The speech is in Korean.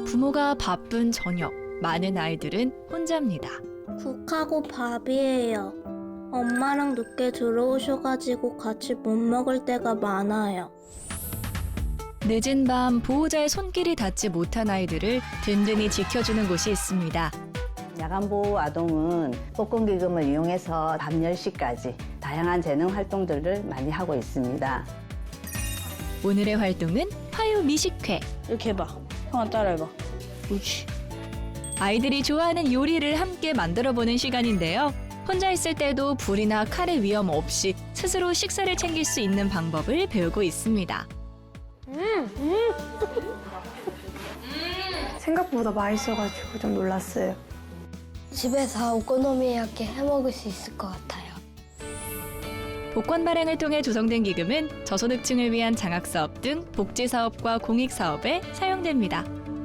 부모가 바쁜 저녁, 많은 아이들은 혼자입니다. 국하고 밥이에요. 엄마랑 늦게 들어오셔가지고 같이 못 먹을 때가 많아요. 늦은 밤 보호자의 손길이 닿지 못한 아이들을 든든히 지켜주는 곳이 있습니다. 야간보호 아동은 복권기금을 이용해서 밤 10시까지 다양한 재능 활동들을 많이 하고 있습니다. 오늘의 활동은 화요 미식회. 이렇게 해봐. 형아 따라해봐. 그렇지. 아이들이 좋아하는 요리를 함께 만들어보는 시간인데요. 혼자 있을 때도 불이나 칼의 위험 없이 스스로 식사를 챙길 수 있는 방법을 배우고 있습니다. 생각보다 맛있어가지고 좀 놀랐어요. 집에서 오코노미야끼 해먹을 수 있을 것 같아요. 복권 발행을 통해 조성된 기금은 저소득층을 위한 장학사업 등 복지사업과 공익사업에 사용됩니다.